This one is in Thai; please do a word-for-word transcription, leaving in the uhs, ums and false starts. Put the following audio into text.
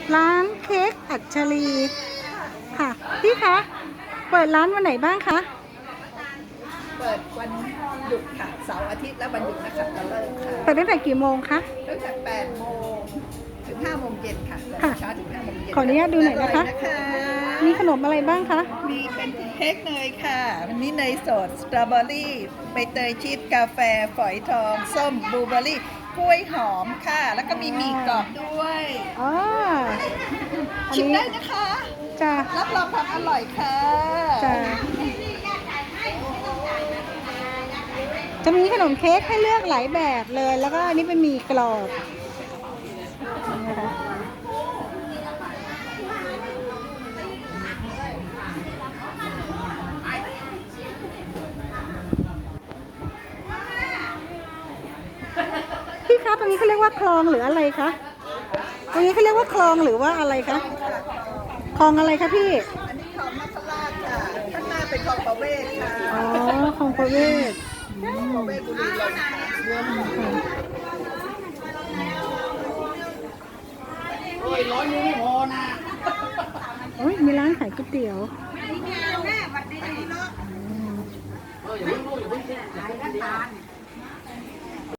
ร้านเค้กอัญชลีค่ะพี่คะเปิดร้านวันไหนบ้างคะเปิดวันหยุดค่ะเสาร์อาทิตย์และวันหยุดนะคะตะเลิกค่ะเปิดตั้งแต่กี่โมงคะตั้งแต่แปดโมงถึงห้าโมงเย็นค่ะค่ะเช้าถึงห้าโมงเย็นขออนุญาตดูหน่อยนะคะมีขนมอะไรบ้างคะมีเป็นเค้กเนยค่ะวันนี้เนยสดสตรอเบอรี่ใบเตยชีสกาแฟฝอยทองส้มบลูเบอร์รี่กล้วยหอมค่ะแล้วก็มีหมี่กรอบด้วยอ๋อชิมได้นะคะจ้ารับรองความอร่อยค่ะจ้าจะมีขนมเค้กให้เลือกหลายแบบเลยแล้วก็อันนี้เป็นหมี่กรอบนะคะพี่คะตรงนี้เขาเรียกว่าคลองหรืออะไรคะตรงนี้เขาเรียกว่าคลองหรือว่าอะไรคะคลองอะไรคะพี่อันนี้คลองมัคราชค่ะข้างหน้าเป็นคลองประเวศค่ะอ๋อคลองประเวศประเวศบุรีรัมย์โอ้ยร้อยนึงไม่พอนะโอ้ยมีร้านขายก๋วยเตี๋ยวแม่บัดดีเนาะเอออย่าเพิ่งรู้อย่าเพิ่งขายน้ำตาล